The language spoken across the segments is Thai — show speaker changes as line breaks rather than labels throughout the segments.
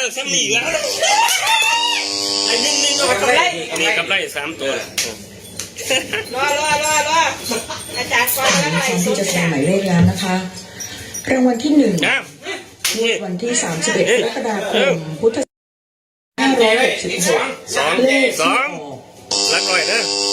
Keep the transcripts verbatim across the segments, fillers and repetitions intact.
ซ้ำนี่แล้วไอ้นิ่งๆก็กำไรนี่กำไรสามตัว
รอรอรอรออาจารย์ก่อนแล้วอะไร
ที่จะแสดงหมายเลขแล้วนะคะรางวัลที่หนึ่งวันที่สามสิบเอ็ดกรกฎาคมพุทธศักราชห้าร้อยหกสิบหก
สอง
เลข
ส
ที่
อ
อง อก
รักหน่อยนะ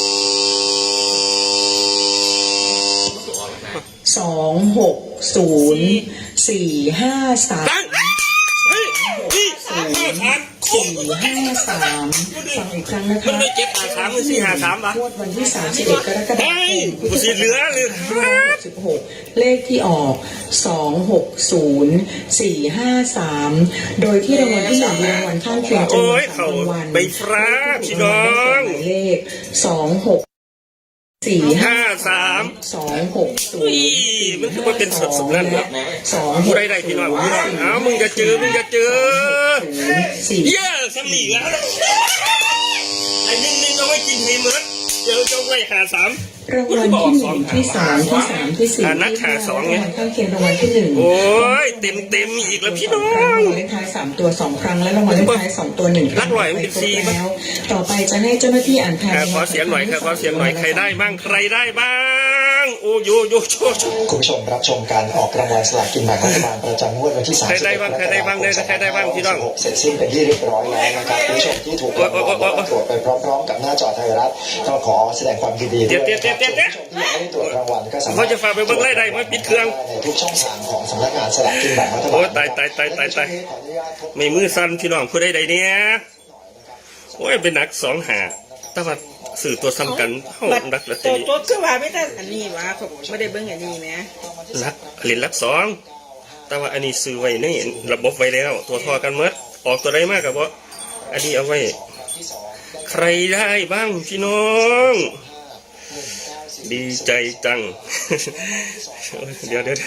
สองหกศูนย์สี่ห้าสาม
ตั้งเฮ้ยนี่ห้าสาม
สี่ห้าสามฟังอีกครั้งนะคะ
มันไม่เจ็บหาสามหรือสี่หาสามปะ
งวดวันที่สามสิบเอ็ดกรกฎาค
เฮ้ย
มพุทธ
กู
ศั
สี
ก
เหลือ
ราช
เลย
ห้าร้อยหกสิบหกเลขที่ออกสองหกศูนย์สี่ห้าสามโดยที่รางวัลที่หนึ่งมีรางวัลข้างเคียงจำน
โอ้
วน
ย
สา
เขา
มรางวัล
ใบฟ้าพี่น้อง
หมายเลขสองหกสี่ห้า
ห้าสาม
สองหกศูน
อุ้ย
ย์
มันคือว่าเป็นสดสมนั่นเหรอ
สองห
ผู้
ก
ใดใดพี่น้องพี่น้องเอามึงจะเจอมึงจะเจอ
สี่
เยอะซ้ำนี่แล้วไอ้นิ่งๆเอาไว้กินให้เหมือนเดี๋ยวจะไว้หาสาม
รางวัลที่หนึ่งที่สองที่สามที่สี่
อ่านักหาสองไง
รางวัลข้างเคียงรางวัลที่หนึ่ง
โอ้ยเต็มเต็มๆอีกแล้วพี่น้อ
ราง
ง
วัลเลขท้ายสามตัวสองครั้งและรางวัลเลขท้ายสองตัวหนึ่งครั้ง
รักหน่อยมันเป็นสี่
ไปครบแล้วต่อไปจะให้เจ้าหน้าที่อ่านทาย
อ่าขอเสียงหน่อยครับขอเสียงหน่อยใครได้บ้างใครได้บ้างโอ้โยโยโชโช
คุณผู้ชมรับชมการออกรางวัลสลากกินแบ่งรัฐบาลประจำงวดวันที่สาม
ใคร
สิบ
ได้
เอ็ด
บ้างใครได้บ้างเนี่ยใครได้บ้างพี่น้อง
เสร็จสิ้นเป็นที่เรียบร้อยแล้วนะครับคุณผู้ชมที่ถูกรางวัลมาตรวจไปพร้อมๆกับหน้าจอไทยรัฐก็ขอแสดงความยินดีด้วยนะครับส่วนผู้ชมที่ยังไม่ได้ตรวจรางวัลก็สามารถ
เขาจะฝากไปเบิ่งไล่ได้ไหมปิดเครื่อง
ในทุกช่องทางของสำนักงานสลากกินแบ่งรัฐบาล
โอ้ตายตายตายตายตายไม่มือสั่นพี่น้องผู้ใดใดเนี่ยโอ้ยเป็นหนักสองหาแต่ว่าสื่อตัวซ้ำกันเข้ารักละ
ตั
ตี
วตัวคือว่าไม่ได้อันนี้วะผมไม่ได้เบิ้งอันนี้ไหม
รักเหรียญรักสองแต่ว่าอันนี้ซื้อไว้ในระบบไว้แล้ว ตัวทอกันเมื่อออกตัวใดมากกับว่าอันนี้เอาไว้ ใครได้บ้างพี่น้อง ดีใจจัง เดี๋ยวเดี๋ยว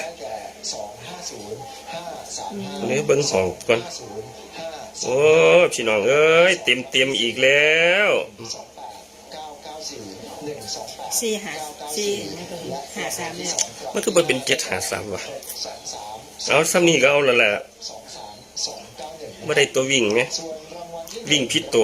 เดี๋ยวเบิ้งห้องก่อนโอ้พี่น้องเอ้ยเต็มเต็มอีกแล้ว
สี่หาสี่หาสามเนี่ย
มันก็เป็นเจ็ดหาสามวะเอาซ้ำนี่ก็เอาและแหละไม่ได้ตัววิ่งไหมวิ่งพิษตัว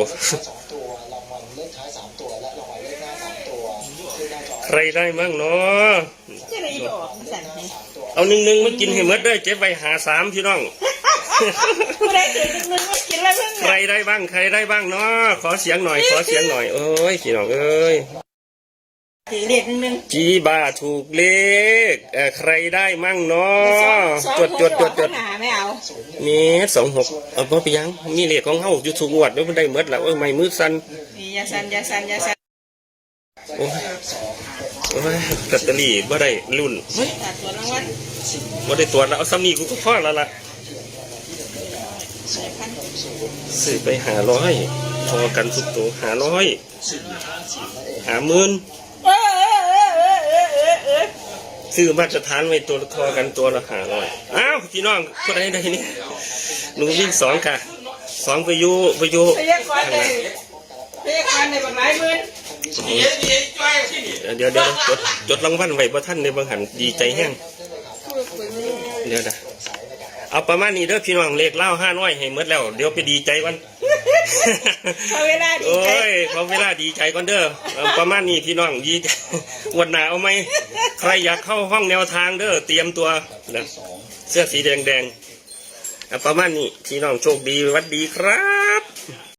ใครได้มั่งเนาะ
จะได้บอกสั่นให้
เอาหนึ่งหนึ่งมากินให้หมดได้เจ็บไปหาสามพี่น้อง
ผู้ใดถือหนึ่งหนึ่งว่ากินแล้วเพิ่ง
ใครได้บ้างใครได้บ้างเนาะขอเสียงหน่อยขอเสียงหน่อยโอ้ยพี่น้องเอ้ย
ถือเรียกหนึ่งหนึ่ง
จีบาถูกเลขเอ่อใครได้มั่งเนาะจดจดจดจด
หาไม่เอา
นี่สองหกเอาพอไปยังมีเลขของเฮาอยู่ทุกงวดแล้วมันได้หมดแล้วเอ้ยไม่มือสั่น
นี่ยาสันยาสันยาสัน
โอ้ยโอ้ยลอตเตอรี่บ่ได้รุ่นเฮ้ย
ตัดตัวรางวัล
บ่ได้ตรวจแล้วเอาซ้ำนี่กูก็พอแล้วล่ะซื้อไปหาร้อยพอกันสุดตัวหาร้อยหาหมื่น
เออเออเออเออเออเออเออ
ซื้อมาตรฐานไว้ตัวละทอกันตัวละหาร้อยอ้าวพี่น้องผู้ใดได้นี่หนูวิ่งสองค่ะสองไปอยู่ไปอยู่
พยากรณ์เลยพยากรณ์ในบางหลายหมื่น
เดี๋ยวเดี๋ยวจดจดรางวัลไว้บ่ท่านในบางหันดีใจแห้งเดี๋ยวนะเอาประมาณนี้เด้อพี่น้องเลขเล่าห้าน้อยให้หมดแล้วเดี๋ยวไปดีใจกัน
พอเวลาดี
โอ้
ใจ
ยพอเวลาดีใจก่อนเด้อเอาประมาณนี้พี่น้องดีวันหนาเอาไหมใครอยากเข้าห้องแนวทางเด้อเตรียมตัวนะเสื้อสีแดงแดงๆเอาประมาณนี้พี่น้องโชคดีสวัสดีครับ